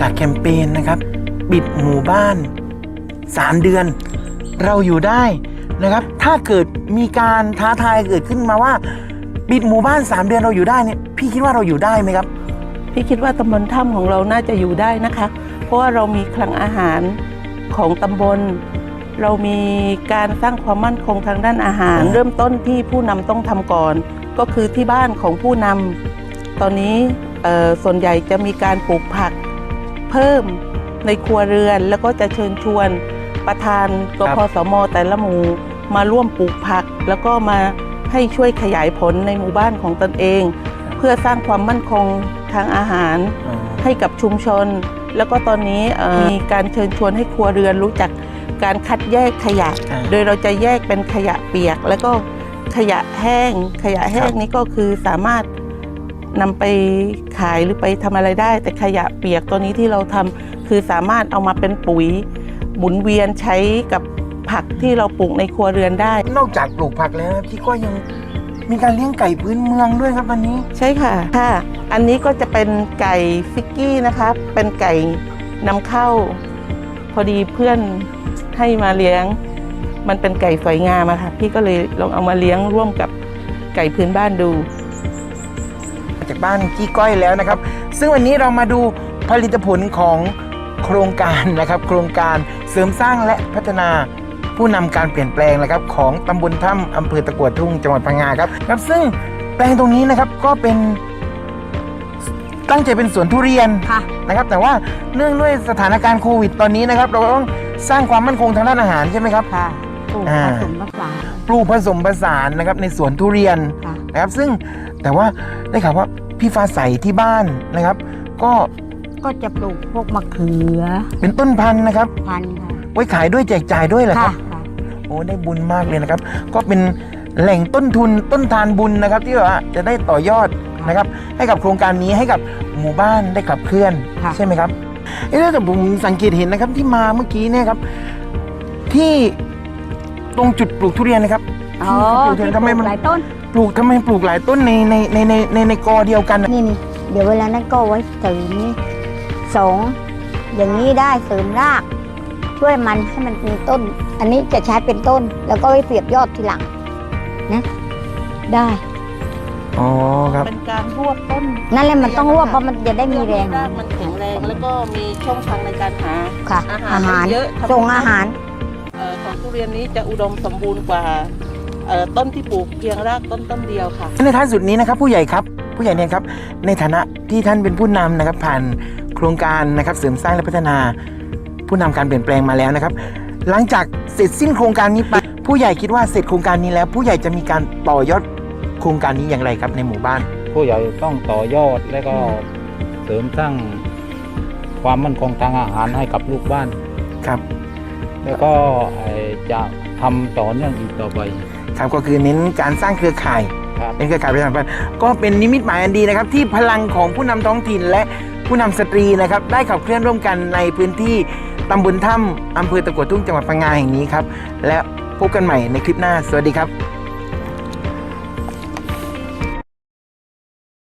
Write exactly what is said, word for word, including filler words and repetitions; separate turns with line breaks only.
จากแคมเปญนะครับปิดหมู่บ้านสามเดือนเราอยู่ได้นะครับถ้าเกิดมีการท้าทายเกิดขึ้นมาว่าปิดหมู่บ้านสามเดือนเราอยู่ได้เนี่ยพี่คิดว่าเราอยู่ได้ไหมครับ
พี่คิดว่าตำบลถ้ำของเราน่าจะอยู่ได้นะคะเพราะว่าเรามีคลังอาหารของตำบลเรามีการสร้างความมั่นคงทางด้านอาหารเริ่มต้นที่ผู้นำต้องทำก่อนก็คือที่บ้านของผู้นำตอนนี้ส่วนใหญ่จะมีการปลูกผักเพิ่มในครัวเรือนแล้วก็จะเชิญชวนประธานกพสมแต่ละหมู่มาร่วมปลูกผักแล้วก็มาให้ช่วยขยายผลในหมู่บ้านของตนเองเพื่อสร้างความมั่นคงทางอาหารให้กับชุมชนแล้วก็ตอนนี้มีการเชิญชวนให้ครัวเรือนรู้จักการคัดแยกขยะโดยเราจะแยกเป็นขยะเปียกแล้วก็ขยะแห้งขยะแห้งนี้ก็คือสามารถนำไปขายหรือไปทำอะไรได้แต่ขยะเปียกตัวนี้ที่เราทำคือสามารถเอามาเป็นปุ๋ยหมุนเวียนใช้กับผักที่เราปลูกในครัวเรือนได้
นอกจากปลูกผักแล้วพี่ก็ยังมีการเลี้ยงไก่พื้นเมืองด้วยครับวันนี้
ใช่ค่ะค่ะอันนี้ก็จะเป็นไก่ฟิกกี้นะคะเป็นไก่นำเข้าพอดีเพื่อนให้มาเลี้ยงมันเป็นไก่สวยงามอะค่ะพี่ก็เลยลองเอามาเลี้ยงร่วมกับไก่พื้นบ้านดู
จากบ้านกี้ก้อยแล้วนะครับซึ่งวันนี้เรามาดูผลิตผลของโครงการนะครับโครงการเสริมสร้างและพัฒนาผู้นำการเปลี่ยนแปลงนะครับของตำบลถ้ำอำเภอตะกั่วทุ่งจังหวัดพังงาครับครับซึ่งแปลงตรงนี้นะครับก็เป็นตั้งใจเป็นสวนทุเรียนนะครับแต่ว่าเนื่องด้วยสถานการณ์โควิดตอนนี้นะครับเราต้องสร้างความมั่นคงทางด้านอาหารใช่ไหมครับ
ค่ะปลูกผสมผสาน
ปลูกผสมผสานนะครับในสวนทุเรียนนะครับซึ่งแต่ว่าได้ข่าวว่าพี่ฟ้าใสที่บ้านนะครับก็
ก็จะปลูกพวกมะเขือ
เป็นต้นพันธุ์นะครับ
พันธุ์ค่ะ
ไว้ขายด้วยแจกจ่ายด้วยเหรอครับโอ้ได้บุญมากเลยนะครับก็เป็นแหล่งต้นทุนต้นทานบุญนะครับที่ว่าจะได้ต่อยอดนะครับให้กับโครงการนี้ให้กับหมู่บ้านได้ขับเคลื่อนใช่ไหมครับเอ๊ะแต่ผมสังเกตเห็นนะครับที่มาเมื่อกี้เนี่ยครับที่ตรงจุดปลูกทุเรียนนะครับ
อ๋อปลูกทำไมมันหลายต้น
ปลูกทำไมปลูกหลายต้นในในในในในในกอเดียวกัน
นี่นี่เดี๋ยวเวลานั้นก็ไว้เสริมนี่สองอย่างนี้ได้เสริมรากช่วยมันให้มันมีต้นอันนี้จะใช้เป็นต้นแล้วก็ไว้เสียบยอดทีหลังนะได้
อ๋อครับ
เป็นการรวบต้น
นั่นแหละมันต้องรวบเพราะมันจะได้มีแรง
รากมันแข็งแรงแล้วก็มีช่องทางในการหา
อาหารเยอะส่งอาหาร
ของทุเรียนนี้จะอุดมสมบูรณ์กว่าต้นที่ปลูกเพียงรากต้นต้นเดียวค่ะ
ในท้ายสุดนี้นะครับผู้ใหญ่ครับผู้ใหญ่เนี่ยครับในฐานะที่ท่านเป็นผู้นำนะครับผ่านโครงการนะครับเสริมสร้างและพัฒนาผู้นำการเปลี่ยนแปลงมาแล้วนะครับหลังจากเสร็จสิ้นโครงการนี้ไปผู้ใหญ่คิดว่าเสร็จโครงการนี้แล้วผู้ใหญ่จะมีการต่อยอดโครงการนี้อย่างไรครับในหมู่บ้าน
ผู้ใหญ่ต้องต่อยอดและก็เสริมสร้างความมั่นคงทางอาหารให้กับลูกบ้าน
ครับ
แล้วก็จะทำต่อเนื่องอีกต่อไป
ครับก็คือเน้นการสร้างเครือข่ายเป็นเครือข่ายประชาสัมพันธ์ก็เป็นนิมิตหมายอันดีนะครับที่พลังของผู้นำท้องถิ่นและผู้นำสตรีนะครับได้ขับเคลื่อนร่วมกันในพื้นที่ตำบลถ้ำอำเภอตะกั่วทุ่งจังหวัดพังงาแห่งนี้ครับและพบกันใหม่ในคลิปหน้าสวัสดีครับ